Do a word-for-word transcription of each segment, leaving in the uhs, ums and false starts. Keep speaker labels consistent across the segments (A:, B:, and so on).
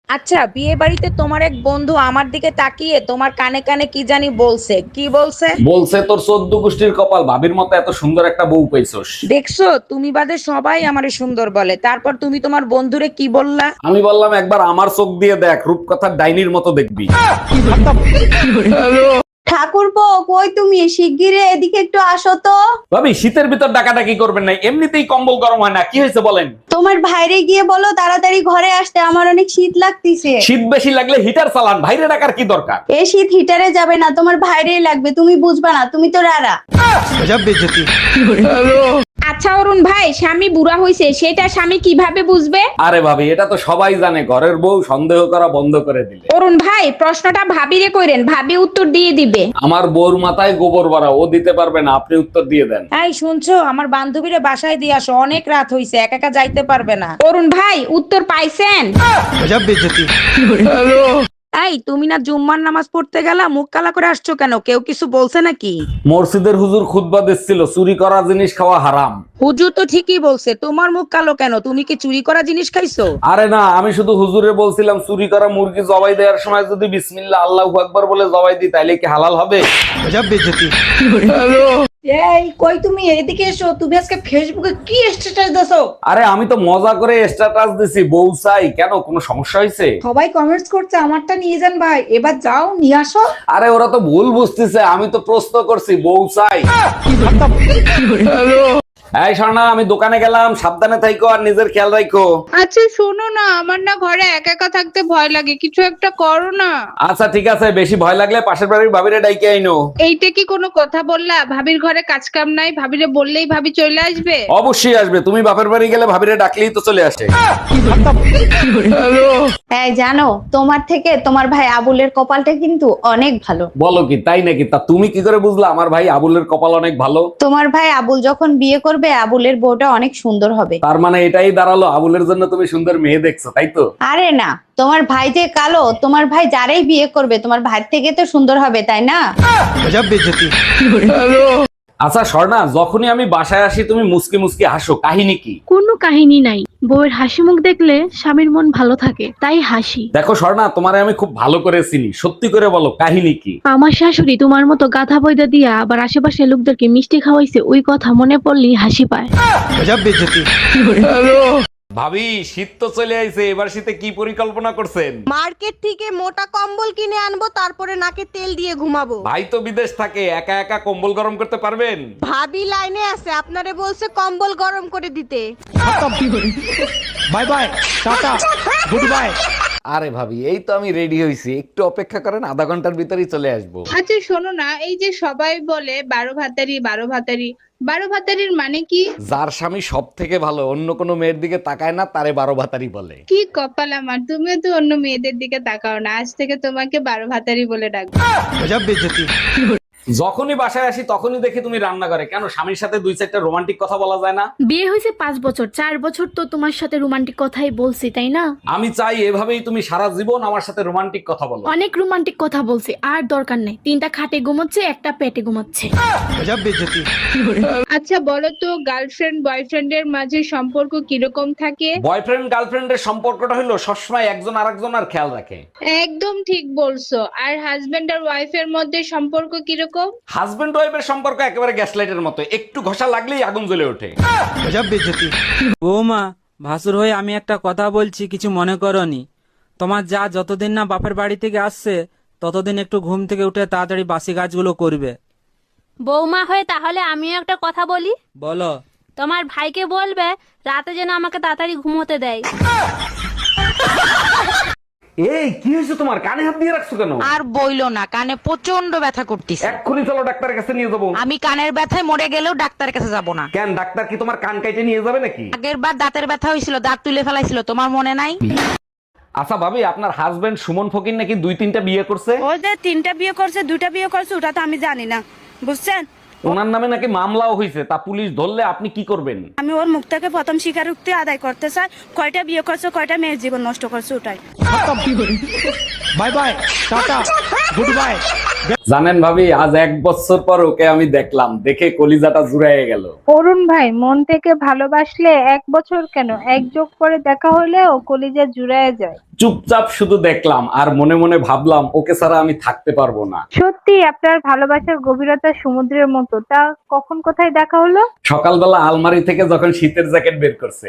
A: আচ্ছা, বিয়ে বাড়িতে তোমার এক বন্ধু আমার দিকে তাকিয়ে তোমার কানে কানে কি জানি বলছে, কি বলছে?
B: বলছে তোর চোদ্দ গোষ্ঠীর কপাল, ভাবির মতো এত সুন্দর একটা বউ পাইছস।
A: দেখছো, তুমি বাদে সবাই আমারে সুন্দর বলে, তারপর তুমি তোমার বন্ধুরে কি বললা?
B: আমি বললাম একবার আমার চোখ দিয়ে দেখ, রূপকথার ডাইনির মতো দেখবি।
C: ঠাকুরপো, কই তুমি? শিগগিরে এদিকে একটু আসো তো।
B: ভাবি, শীতের ভিতর ডাকাডাকি করবেন না, এমনিতেই কম্বল গরম হয় না, কি হয়েছে বলেন?
C: তোমার ভাইরে গিয়ে বলো তাড়াতাড়ি ঘরে আসতে, আমার অনেক শীত লাগতেছে।
B: শীত বেশি লাগলে হিটার চালান, বাইরে ডাকার কি দরকার?
C: এই শীত হিটারে যাবে না, তোমার ভাইরেই লাগবে, তুমি বুঝবা না, তুমি তো রারা।
A: আচ্ছা অরুণ ভাই, স্বামী বুড়া হয়েছে সেটা স্বামী কিভাবে বুঝবে?
B: আরে ভাবি, এটা তো সবাই জানে, ঘরের বউ সন্দেহ করা বন্ধ করে দিলে।
A: অরুণ ভাই, প্রশ্নটা ভাবিরে কইরেন, ভাবি উত্তর দিয়ে দিবে।
B: আমার বউর মাথায় গোবর ভরা, ও দিতে পারবে না, আপনি উত্তর দিয়ে দেন।
A: এই শুনছো, আমার বান্ধবীরে বাসায় দিয়ে আসো, অনেক রাত হইছে, একা একা যাইতে পারবে না। অরুণ ভাই, উত্তর পাইছেন? এই, তুমি না জুম্মার নামাজ পড়তে গেলা, মুখ কালা করে আসছো কেন? কেউ কিছু বলছে নাকি?
B: মসজিদের হুজুর খুতবা দিচ্ছিল, চুরি করা জিনিস খাওয়া হারাম।
A: হুজুর তো ঠিকই বলছে, তোমার মুখ কালো কেন? তুমি কি চুরি করা জিনিস খাইছো?
B: আরে না, আমি শুধু হুজুরে বলছিলাম চুরি করা মুরগি জবাই দেওয়ার সময় যদি বিসমিল্লাহ আল্লাহু আকবার বলে জবাই দিই তাইলে কি হালাল হবে?
A: এই কই তুমি, এদিকে এসো। তুমি আজকে ফেসবুকে কি স্ট্যাটাস দাও?
B: আরে আমি তো মজা করে স্ট্যাটাস দিছি, বউ চাই। কেন, কোনো সমস্যা হয়েছে?
A: সবাই কমেন্টস করছে আমারটা নিয়ে যান ভাই, এবার যাও নিয়ে আসো।
B: আরে ওরা তো ভুল বুঝতেছে, আমি তো প্রশ্ন করছি বউ চাই। এই শোনা, আমি দোকানে গেলাম, সাবধানে থাইকো আর নিজের খেয়াল রাখো।
D: আচ্ছা শোনো না, আমার না ঘরে একা একা থাকতে ভয় লাগে, কিছু একটা করো না।
B: আচ্ছা ঠিক আছে, বেশি ভয় লাগলে পাশের বাড়ির ভাবিরে ডাইকে আইনো।
D: এইটা কি কোনো কথা বললা? ভাবির ঘরে কাজ কাম নাই, ভাবিরে বললেই ভাবি চলে আসবে?
B: অবশ্যই আসবে, তুমি বাপের বাড়ি গেলে ভাবিরে ডাকলেই তো চলে আসে।
C: এই জানো, তোমার থেকে তোমার ভাই আবুলের কপালটা কিন্তু অনেক ভালো।
B: বলো কি, তাই নাকি? তা তুমি কি করে বুঝলা আমার ভাই আবুলের কপাল অনেক ভালো?
C: তোমার ভাই আবুল যখন বিয়ে করবে, আবুলের বউটা অনেক সুন্দর হবে।
B: তার মানে এটাই দাঁড়ালো আবুলের জন্য তুমি সুন্দর মেয়ে দেখছো, তাই তো?
C: আরে না, তোমার ভাই যে কালো, তোমার ভাই যারাই বিয়ে করবে তোমার ভাই থেকে তো সুন্দর হবে, তাই না?
B: আচ্ছা স্বর্ণা, যখনই আমি বাসায় আসি তুমি মুসকি মুসকি হাসো, কাহিনী কি?
E: কোনো কাহিনী নাই, বউয়ের হাসি মুখ দেখলে স্বামীর মন ভালো থাকে, তাই হাসি।
B: দেখো স্বর্ণা, তোমারে আমি খুব ভালো করে চিনি, সত্যি করে বলো কাহিনী কি?
E: আমার শাশুড়ি তোমার মতো গাধা বইদা দিয়া আবার আশেপাশে লোকদেরকে মিষ্টি খাওয়াইছে, ওই কথা মনে পড়লেই হাসি পায়।
B: ভাবি, শীত তো চলে আইছে, এবার শীতে কি পরিকল্পনা করছেন?
F: মার্কেট থেকে মোটা কম্বল কিনে আনবো, তারপরে নাকে তেল দিয়ে ঘুমাবো।
B: ভাই তো বিদেশ থাকে, একা একা কম্বল গরম করতে পারবেন?
F: ভাবি লাইনে আছে, আপনারে বলছে কম্বল গরম করে দিতে।
B: Bye bye, tata, good bye. আরে ভাবি, এই তো আমি রেডি হইছি, একটু অপেক্ষা করেন, আধা ঘন্টার ভিতরেই চলে আসবো।
D: আচ্ছা শোনো না, এই যে সবাই বলে বারো ভাতারি বারো ভাতারি, বারো ভাতারির মানে কি?
B: যার স্বামী সব থেকে ভালো, অন্য কোনো মেয়ের দিকে তাকায় না, তারে বারো ভাতারি বলে।
D: কি কপাল আমার, তুমিও তো অন্য মেয়েদের দিকে তাকাও না, আজ থেকে তোমাকে বারো ভাতারি বলে ডাকবো।
B: যখনই বাসায় আসি তখনই দেখি তুমি রান্না করে, কেন স্বামীর সাথে দুই চারটা রোমান্টিক কথা বলা যায় না?
E: বিয়ে হয়েছে পাঁচ বছর, চার বছর তো তোমার সাথে রোমান্টিক কথাই বলছি, তাই না?
B: আমি চাই এভাবেই তুমি সারা জীবন আমার সাথে রোমান্টিক কথা বলো।
E: অনেক রোমান্টিক কথা বলছি, আর দরকার নেই। তিনটা খাটে ঘুমাচ্ছে, একটা পেটে ঘুমাচ্ছে।
D: আচ্ছা বলো তো, গার্লফ্রেন্ড বয়ফ্রেন্ডের মাঝে সম্পর্ক কিরকম থাকে?
B: বয়ফ্রেন্ড গার্লফ্রেন্ডের সম্পর্কটা হলো সবসময় একজন আরেকজন আর খেয়াল রাখে।
D: একদম ঠিক বলছো। আর হাজবেন্ড আর ওয়াইফের মধ্যে সম্পর্ক কিরকম?
B: হাজবেন্ড ওয়াইফের সম্পর্ক একেবারে গ্যাস লাইটের মতো, একটু ঘষা লাগলেই আগুন জ্বলে ওঠে।
G: বৌমা, ভাসুর হয়ে আমি একটা কথা বলছি, কিছু মনে করনি। তোমার যা যতদিন না বাপের বাড়ি থেকে আসছে ততদিন একটু ঘুম থেকে উঠে তাড়াতাড়ি বাসি কাজগুলো করবে।
H: বৌমা হয়ে তাহলে আমিও একটা কথা বলি।
G: বলো।
H: তোমার ভাইকে বলবে রাতে যেন আমাকে তাড়াতাড়ি ঘুমোতে দেয়।
B: এই কি হয়েছে তোমার, কানে হাত দিয়ে রাখছো কেন?
A: আর বইলো না, কানে প্রচন্ড ব্যথা করতেছে।
B: এক্ষুনি চলো ডাক্তারের কাছে নিয়ে যাবো।
A: আমি কানের ব্যথায় মরে গেলেও ডাক্তারের কাছে যাব না।
B: কেন, ডাক্তার কি তোমার কান কাইটে নিয়ে যাবে নাকি?
A: আগের বার দাঁতের ব্যথা হয়েছিল, দাঁত তুলে ফেলাইছিল, তোমার মনে নাই?
B: আচ্ছা ভাবি, আপনার হাজবেন্ড সুমন ফকির নাকি দুই তিনটা বিয়ে করছে?
I: ও যে তিনটা বিয়ে করছে, দুইটা বিয়ে করছে, ওটা তো আমি জানি না, বুঝছেন?
B: ওনার নামে নাকি মামলাও হয়েছে, তা পুলিশ ধরলে আপনি কি করবেন?
I: আমি ওর মুখ থেকে প্রথম স্বীকারোক্তি আদায় করতে চাই, কয়টা বিয়ে করছে, কয়টা মেয়ের জীবন নষ্ট করছে, ওটাই।
B: Bye bye, tata, good bye. জানেন ভাবি, আজ এক বছর পর ওকে আমি দেখলাম, দেখে কলিজাটা জুড়াইয়ে গেল।
D: অরুণ ভাই, মন থেকে ভালোবাসলে এক বছর কেন, এক যোগ করে দেখা হলেও কলিজা জুড়ায় যায়।
B: চুপচাপ শুধু দেখলাম আর মনে মনে ভাবলাম ওকে ছাড়া আমি থাকতে পারবো না।
D: সত্যি আপনার ভালোবাসার গভীরতা সমুদ্রের মতো। তা কখন কোথায় দেখা হলো?
B: সকালবেলা আলমারি থেকে যখন শীতের জ্যাকেট বের করছে।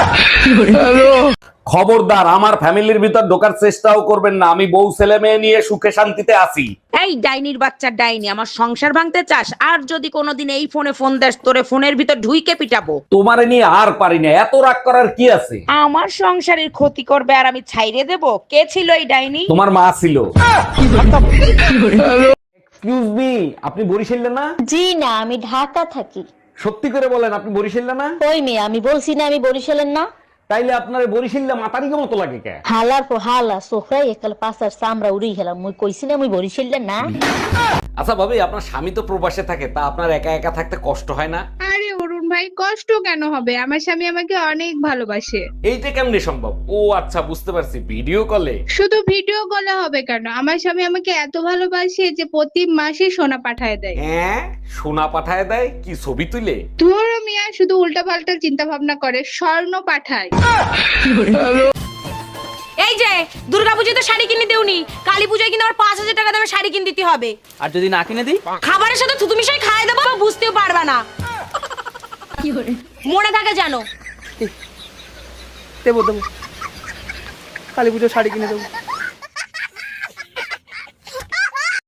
B: খবরদার, আমার ফ্যামিলির ভিতর ঢোকার চেষ্টাও করবেন না। আমি বউ ছেলে মেয়ে নিয়ে সুখে শান্তিতে আছি।
A: এই ডাইনির বাচ্চা ডাইনি, আমার সংসার ভাঙতে চাস? আর যদি কোনোদিন এই ফোনে ফোন দেস, তোরে ফোনের ভিতর ঢুইকে পিটাবো।
B: তোমারে নিয়ে আর পারি না, এত রাগ করার কি আছে?
A: আমার সংসারের ক্ষতি করবে আর আমি ছাইরে দেব? কে ছিল এই ডাইনি?
B: তোমার মা ছিল। এক্সকিউজ মি, আপনি বরিশালে না?
H: জি না, আমি ঢাকা থাকি।
B: সত্যি করে বলেন, আপনি বরিশালে না?
H: কই মেয়ে, আমি বলছি না আমি বরিশালের না।
B: তাইলে আপনার বরিশালে মাতারিকে মতো লাগে কে?
H: হালার পর হালা সোফরাই একাল পাশার চামড়া উড়ি গেলাম। মুই কইছি না আমি বরিশালের না।
B: আচ্ছা ভাবি, আপনার স্বামী তো প্রবাসে থাকে, তা আপনার একা একা থাকতে কষ্ট হয় না?
D: আরে অরুণ ভাই, কষ্ট কেন হবে? আমার স্বামী আমাকে অনেক ভালোবাসে।
B: এইটা কেমনে সম্ভব? ও আচ্ছা, বুঝতে পারছি, ভিডিও কলে।
D: শুধু ভিডিও কলে হবে কেন? আমার স্বামী আমাকে এত ভালোবাসে যে প্রতি মাসে সোনা পাঠায় দেয়।
B: হ্যাঁ, সোনা পাঠায় দেয়? কি ছবি তুলে?
D: তোর মিয়া শুধু উল্টা পাল্টা চিন্তা ভাবনা করে, স্বর্ণ পাঠায়।
I: এই যে দুর্গাপূজায় তো শাড়ি কিনে দেউনি, কালী পূজায় কিন্তু আমার পাঁচ হাজার টাকা দামের শাড়ি কিনে দিতে হবে।
G: আর যদি না কিনে দিই?
I: খাবারের সাথে থুতু মিশাই খাই দেবো, বুঝতেও পারবা না। মনে থাকে জানো।
G: দেবো দেবো, কালী পুজোর শাড়ি কিনে দেবো।